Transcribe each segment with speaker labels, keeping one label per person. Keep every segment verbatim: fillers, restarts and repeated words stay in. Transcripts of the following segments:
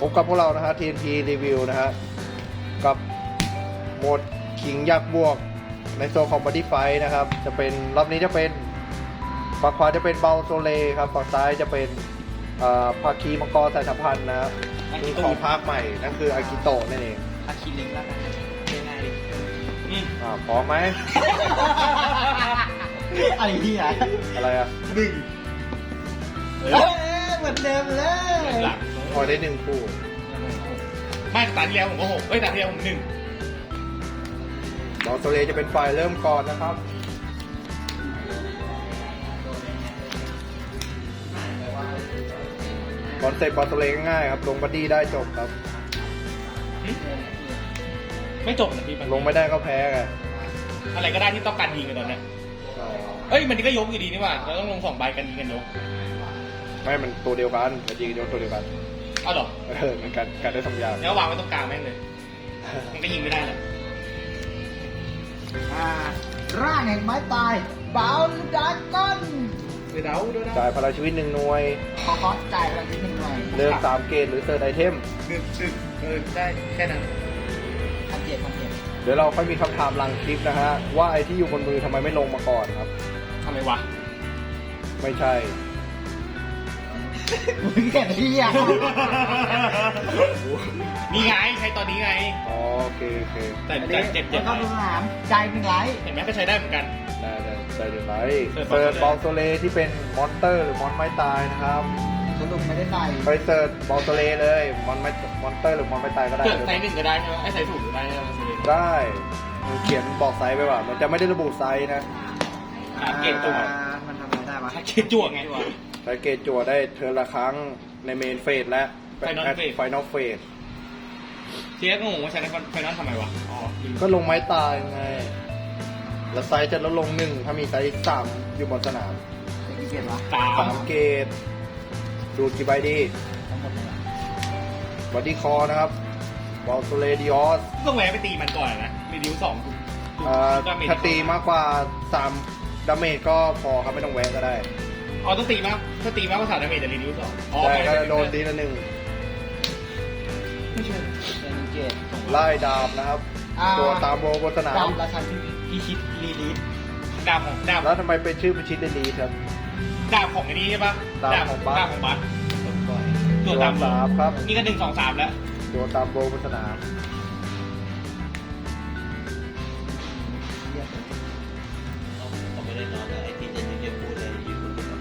Speaker 1: พบกับพวกเรานะฮะ ที เอ็น พี Review นะฮะกับโหมดขิงยักษ์บวกในโซนของ Body Fight นะครับจะเป็นรอบนี้จะเป็นฝั่งขวาจะเป็นเบลโซเลครับฝั่งซ้ายจะเป็นภาคีมังกรสายสัมพันธ์นะครับคือของภาคใหม่นั่นคืออากิโตะนั่นเอง
Speaker 2: อาคิลิงแล้วกันง่ายๆดิอืม
Speaker 1: อ่าพร้อมไหม
Speaker 2: อะไรที่อ่ะ
Speaker 1: อะไรอ่ะ
Speaker 2: หนึ่งเฮ้ยเหมือนเดิมเลย
Speaker 3: หลัง
Speaker 1: พอได้หนึ่งคู่
Speaker 3: ไม่ตาที่แล้วผมก็หกเอ้ยตาที่แล้วผมหนึ่ง
Speaker 1: เบลโซเลจะเป็นฝ่ายเริ่มก่อนนะครับคอนเซ็ปต์เบลโซเลง่ายๆครับลงบัดดี้ได้จบครับ
Speaker 3: ไม่จบนะพี่มัน
Speaker 1: ลงไม่ได้ก็แพ้ไง
Speaker 3: อะไรก็ได้ที่ต้องการยิงกันตอนเนี้ยเอ้ยมันก็ยกอยู่ดีนี่หว่าเราต้องลงสองใบกันยิงกันยก
Speaker 1: ไม่มันตัวเดียวกันแต่จริงๆโยนตัวเดียวกัน
Speaker 3: เอาหรอ
Speaker 1: เออมันการการได้สองอย่าง
Speaker 3: แล้ววางไว้ตรงกลางแม่งเลยมันก็ยิงไม่ได้แหละ
Speaker 2: อ่าร่างแห่งไม้ตายบาวดาก้อน
Speaker 3: เดี๋ยวเดาเดี๋ยวเดา
Speaker 1: จ่ายพลังชีวิตหนึ่งหน่วย
Speaker 2: ขอคอสจ่ายอะไรนิดหนึ่งหน่อย
Speaker 1: เลือกสามเกตหรือเซิร์ชไอเทม
Speaker 3: หนึ่งหนึ่งเออได้แค่นั้น
Speaker 2: พันเจ็ดพันเจ็ด
Speaker 1: เดี๋ยวเราค่อยมีคำถามหลังคลิปนะฮะว่าไอที่อยู่บนมือทำไมไม่ลงมาก่อนครับ
Speaker 3: ทำไมวะ
Speaker 1: ไม่ใช่
Speaker 2: มึงแก่ที่อ่ะ
Speaker 3: นี่ไงใช้ตอนนี้ไง
Speaker 1: อ๋อโอเคโอเค
Speaker 3: แต่แต่เจ็บเจ็
Speaker 2: แล้
Speaker 3: บ
Speaker 2: วก็ดูสนามใจหนึ่งไลท์
Speaker 3: เห็นไหมก็ใช้ได้เหมือนกัน
Speaker 1: ได้ได้ได้เดี๋ยวไป
Speaker 3: เซิร์ช
Speaker 1: เซิร์ช
Speaker 3: บบ อ
Speaker 1: อ
Speaker 3: ล
Speaker 1: ล
Speaker 3: โซ
Speaker 1: โซ
Speaker 3: เล
Speaker 1: เลที่เป็นมอนสเตอร์หรือมอนไม่ตายนะครับ
Speaker 2: คุณลุงไม่ได้ใส่
Speaker 1: ไปเซิร์ชบอลโซเลเลยมอนไม่มอนสเตอร์หรือมอนไม่ตายก็ได้
Speaker 3: เกิดไซส์หนึ่งก็ได้ใช่ไหมไอ้ไซส์ถูกก็ได้ใช่ไหมมันเลย
Speaker 1: ได้มันเขียนบอกไซส์ไปว่ามันจะไม่ได้ระบุไซส์นะ
Speaker 3: หาเกตตัว
Speaker 2: อ่ามันทำอะไรได้วะ
Speaker 3: หาเกตจั่วไง
Speaker 1: ใช้เกตจั่วได้เทิร์นละครั้งในเมนเฟสและ
Speaker 3: Final phase
Speaker 1: ไฟนอลเฟส
Speaker 3: เทียบก็งงว่าใช้ในไฟนอลทำไมวะอ๋อ
Speaker 1: ก็ลงไม้ตายไง แล้วไซส์จะลดลงหนึ่งถ้ามีไซส์สามอยู่บนสนาม
Speaker 2: เป็นกี่เกียรวะ
Speaker 3: สา
Speaker 1: สาม มเกตดูดกี่ใบดี
Speaker 2: ทั้งหมดเลยอะ
Speaker 1: บอดี้คอนะครับบอลโซเลดิออส
Speaker 3: ต้องแวะไปตีมันก่อนนะรีดิวสอง
Speaker 1: ถ้าตีมากกว่าสามดาเมจก็พอครับไม่ต้องแวะก็ได้
Speaker 3: อ๋อต้องตีมากถ้าตีมากกว่าสามดาเมจจะรีดิวสองอ๋อ
Speaker 1: แต่ก็จะโดนทีละหนึ่ง
Speaker 3: ไม่ใช่
Speaker 2: เป็นเกียร
Speaker 1: ไล่ดาบนะครับ
Speaker 2: อ่า
Speaker 1: ตัวตามโบบนสนาม
Speaker 2: ดำราชันพิชิตรีลีฟ
Speaker 3: ดาบของดาบ
Speaker 1: แล้วทำไมเป็นชื่อพิชิตเดลีครับ
Speaker 3: ดาบของไอ้นี่ใช่ปะ
Speaker 1: ดาบของบัส
Speaker 3: ดาบของบัสตัวดาบ
Speaker 1: สามครับ
Speaker 3: นี่ก็หนึ่งสองสามแล้ว
Speaker 1: ตัวตามโบบนสนาม
Speaker 4: ผมไม่ได้นอนเลยไอ้ที่จะยืนพูดเลยอยู่บนตึก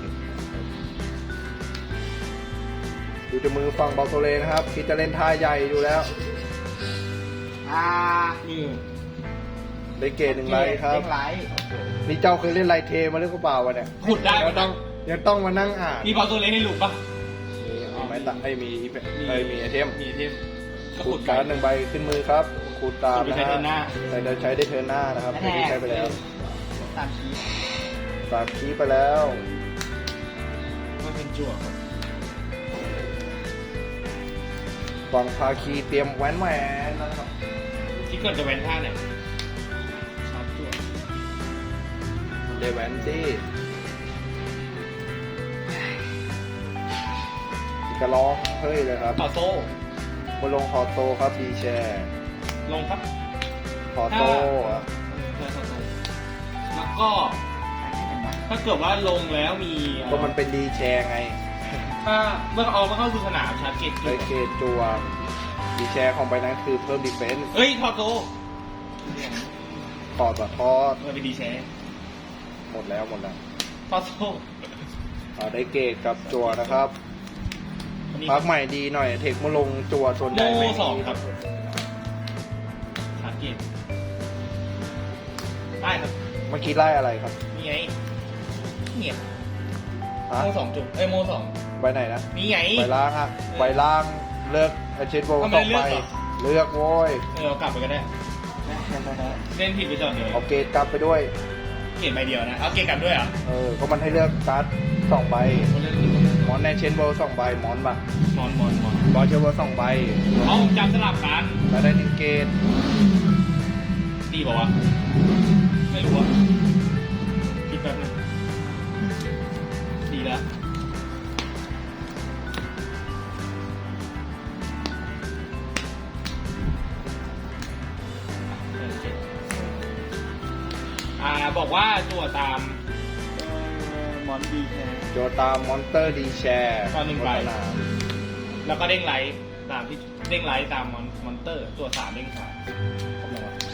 Speaker 1: ดูจะมือฟังบอลโซเลนะครับคิดจะเล่นท่าใหญ่ดูแล้ว
Speaker 2: อ่า
Speaker 3: มือ
Speaker 1: ได้เกตหนึ่งไลท์ครับ
Speaker 2: เด้งไลท์
Speaker 1: นี่เจ้าเคยเล่นไลท์เทมาหรือเปล่าวะเนี่ย
Speaker 3: ขุดได้
Speaker 1: ยังต้องยังต้องมานั่งอ่าน
Speaker 3: มีบอลตัวเล็กให้ลูกปะ
Speaker 1: มีมีไม้ตะไอ้มีไอ้มีไอเทม
Speaker 3: มีไอเทมก็
Speaker 1: ขู
Speaker 3: ขุ
Speaker 1: ด
Speaker 3: ด
Speaker 1: การ์ดหนึ่งใบขึ้นมือครับขูดตาม
Speaker 3: ขุด
Speaker 1: นะ
Speaker 3: ไปใช้
Speaker 1: ฮะ
Speaker 3: เทิร์นหน้า
Speaker 1: แต่เดี๋ยวใช้ได้เทิร์นหน้านะครับไม่ได้ใช้ไปแล้ว
Speaker 2: ตามชีส
Speaker 1: สามคีย์ไปแล้ว
Speaker 3: มันเป็นจั่ว
Speaker 1: ฝั่งภาคีเตรียมแหวนแหวนนะครับ
Speaker 3: ที่เกิดจะเว้นท่าไหนชาร์จจั่ว
Speaker 1: เดแหวนซี่กระร้องเฮ้ยเลยครับ
Speaker 3: ต่อโซ่
Speaker 1: บนลงคอโตครับดีแชร์
Speaker 3: ลงครับ
Speaker 1: คอโตอ่ะ
Speaker 3: แล้วก็
Speaker 2: ให้เป็นแบบ
Speaker 3: ถ้าเกิดว่าลงแล้วมี
Speaker 1: ก็มันเป็นดีแชร์ไง
Speaker 3: ถ้าเมื่อเอามาเข้าสู่สนามชาร์จเกต
Speaker 1: ไอเกตจัวดีแชร์ของใบนั้นคือเพิ่มดีเฟนส์
Speaker 3: เฮ้ยทอโซ่
Speaker 1: ถอดต่อทอด
Speaker 3: เออเป็นดีแชร์
Speaker 1: หมดแล้วหมดแล้ว
Speaker 3: ทอโซ่
Speaker 1: อ่าได้เกตกับจัวนะครับ
Speaker 3: อันนี้
Speaker 1: พักใหม่ดีหน่อยเทคมาลงจัวส่วนใหญ่
Speaker 3: โม่
Speaker 1: ไม่มี
Speaker 3: สองครับ ชาร์จเกตได้ครับ
Speaker 1: เมื่อกี้ไล่อะไรครับ
Speaker 3: นี่ไงเนี่ย
Speaker 1: ฮะ
Speaker 3: โม่สองจุดเอ้ยโม่สอง
Speaker 1: ใบไหนนะ
Speaker 3: นี่ไง
Speaker 1: ใบล่างฮะใบล่างเลือกไอเชนโบ
Speaker 3: ทำไม
Speaker 1: ต้อง
Speaker 3: เลื
Speaker 1: ไป
Speaker 3: อกเหรอ
Speaker 1: เลือกโว้ย
Speaker 3: เออเอากลับไปก็ได้ เล่นผิดไปจอดเดียว
Speaker 1: เอาเกตกลับไปด้วย
Speaker 3: เกตใบเดียวนะ เอาเกตกลับด้วยเหรอ
Speaker 1: เออก็มันให้เลือกการ์ดสองใบ
Speaker 3: เล่น
Speaker 1: มอนในเชนโบสองใบมอนปะ
Speaker 3: มอนมอนมอน
Speaker 1: บอลเชนโบสองใบ
Speaker 3: เอาจำสลับกัน
Speaker 1: แล้วได้หนึ่งเกต
Speaker 3: ดีบอกว่าวะไม่รู้อะคิดแป๊บนึงดีแล้วอ่าบอกว่าตัวตาม
Speaker 2: มอนดีแค่
Speaker 1: โจตามมอนเตอร์ดีแชร์
Speaker 3: ตอนหนึ่งใบ
Speaker 1: สนาม
Speaker 3: แล้วก็เด้งไลท์ตามที่เด้งไลท์ตามมอนมอนเตอร์ ตัวสามเด้งสามครบแล้ววะ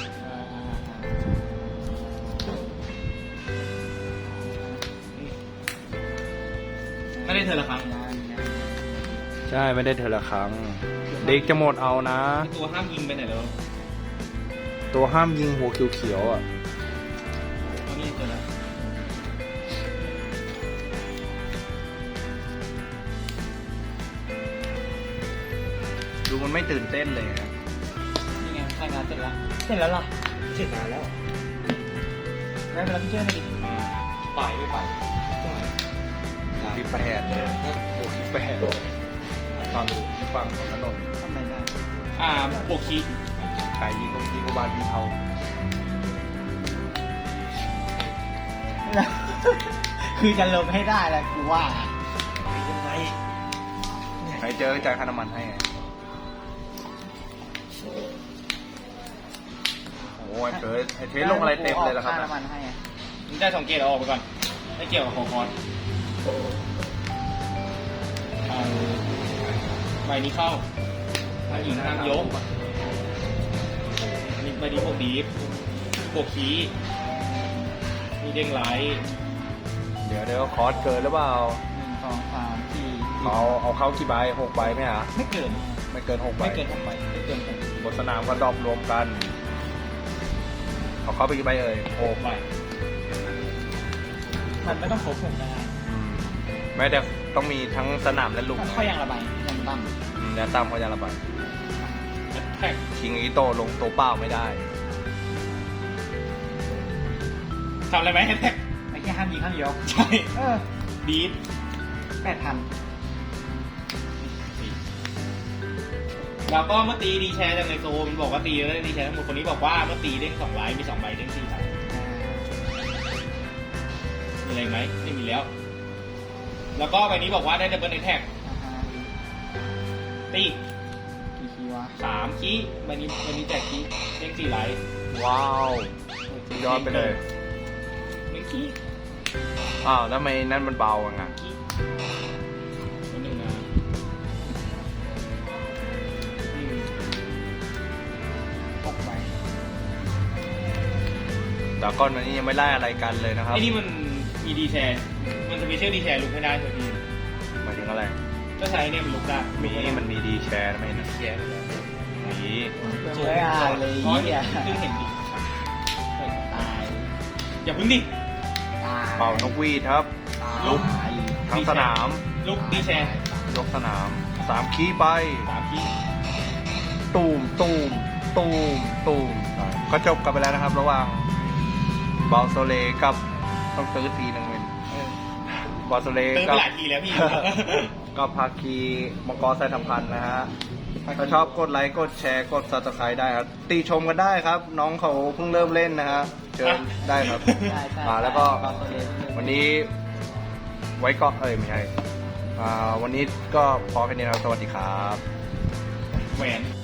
Speaker 3: ไม่ได้เธอละครั้ง
Speaker 1: ใช่ไม่ได้เทอละครั้ง เด็กจะหมดเอานะ
Speaker 3: ตัวห้ามยิงไปไหนแล้ว
Speaker 1: ตัวห้ามยิงหัวเขียวๆอ่ะ
Speaker 3: เอานี่เจอแล้ว
Speaker 1: ดูมันไม่ตื่นเต้นเลยนะ
Speaker 3: นี่ไงใช่งานเสร็จแล้ว
Speaker 2: เสร็จแล้วล่ะ
Speaker 3: เสร็จนานแล้วได้เวลาพี่เจ้าหน่อยดิไปไม่ไป
Speaker 1: ที่แปดเลยโอ้ที่แปดฟังที่ฟังของถนน
Speaker 2: ทำไมได้
Speaker 3: อ่าโปกคี
Speaker 1: ไก่ยิงก็ยิงก็บานยิงเขา
Speaker 2: คือจะลงให้ได้แหละกูว่า
Speaker 3: ยังไง
Speaker 1: ใครเจอจ่ายค่าน้ำมันให้ไงโอ้ยเธอไอเทสลงอะไรเต็มเลยแล้วครับ
Speaker 2: ค่าน้ำมันให้อะ
Speaker 3: มึงได้สองเกตเอาออกไปก่อนไม่เกี่ยวกับของคอนอ่าใบนี้เข้าห้ามยิงห้ามยกนี่ใบนี้พวกดีฟพวกคีมีเด้งไลท์
Speaker 1: เดี๋ยวเดี๋ยวคอร์สเกินหรือเปล่า
Speaker 2: หนึ่งสองสามสี่
Speaker 1: เอาเอาเข้ากี่ใบหกใบไหมฮะ
Speaker 2: ไม่เกิน
Speaker 1: ไม่เกินหกใบ
Speaker 2: ไม่เกินหกใบไม่เกินหก
Speaker 1: บนสนามก็ดรอปรวมกันเอาเข้าไปกี่ใบเอ่ยหก
Speaker 3: ใบ
Speaker 2: มันไม่ต้องครบหกได้
Speaker 1: อืมแม้แต่ต้องมีทั้งสนามและลุม
Speaker 2: ค่อยยังระบายยังตั้ม
Speaker 1: อืมแล้วตามเขาจะระบาย
Speaker 3: แท็ก
Speaker 1: คิงอีโตลงตัวเปล่าไม่ได้
Speaker 3: ทำอะไรไหมแท็ก
Speaker 2: ไม่แค่ห้ามยิงห้ามยก
Speaker 3: ใช่
Speaker 2: เออ
Speaker 3: ดีฟ
Speaker 2: แปดพัน
Speaker 3: แล้วก็เมื่อตีดีแชร์จากในโซมันบอกว่าตีแล้วได้ดีแชร์ทั้งหมดคนนี้บอกว่าเมื่อตีเด้งสองไลท์มีสองใบเด้งสี่ใบมีอะไรไหมไม่มีแล้ว แล้วก็ใบนี้บอกว่าได้ดับเบิลแท็ก
Speaker 2: อ่าฮะ
Speaker 3: ตี
Speaker 2: กี่คีวะ
Speaker 3: สามคีใบนี้ใบนี้แจกคีเด้งสี่ไลท์
Speaker 1: ว้าวสุดยอดไปเลย
Speaker 3: หนึ่งคี
Speaker 1: อ้าวแล้วทำไมนั่นมันเบาอ่ะงะ
Speaker 3: คีตัวหนึ่งนะหนึ่ง
Speaker 2: หกใบ
Speaker 1: แต่ก้อนวันนี้ยังไม่ไล่อะไรกันเลยนะครับ
Speaker 3: ไอ้นี่มันมีดีแชร์มันจะมีเชื่อดีแชร์ลุกไม่ได้เถอะพี่
Speaker 1: หมายถึงอะไร
Speaker 3: ก็ใช้เนี่ยมันลุกได้
Speaker 1: มีมันมีดีแชร์ไหมนะ
Speaker 3: แชร์ไปแล้ว
Speaker 1: มี
Speaker 2: เปิดไม่อ่านเลย
Speaker 3: อ๋อ
Speaker 2: เหี้ย
Speaker 3: เพิ่งเห็นดิ
Speaker 2: ตาย
Speaker 3: อย่าเพิ่งดิ
Speaker 2: ตาย
Speaker 1: เป่านกหวีดครับ ลุก
Speaker 2: ตาย
Speaker 1: ทั้งสนาม
Speaker 3: ลุกดีแชร์
Speaker 1: ยกสนามสามคีไป
Speaker 3: สามคี
Speaker 1: ตูมตูมตูมตูมก็จบกันไปแล้วนะครับ ระหว่างบอลโซเลกับต้องตื้อทีหนึ่งเป็นบอลโซเล
Speaker 3: เติมไป
Speaker 1: กับ
Speaker 3: หลายทีแล้วพี่
Speaker 1: ก็ภาคีมังกรสายสัมพันธ์นะฮะ ถ้าชอบกดไลค์ กดแชร์ กด ซับสไครบ์ ได้ครับ ตีชมกันได้ครับ น้องเขาเพิ่งเริ่มเล่นนะฮะ เชิญได้ครับ
Speaker 2: ใช่ใช่
Speaker 1: อ่าแล้วก็
Speaker 2: บอลโซเลส
Speaker 1: วันนี้ไว้ก็เอ้ย ไม่ใช่ อ่า วันนี้ก็พอแค่นี้นะครับ สวัสดีครับ
Speaker 3: แหวน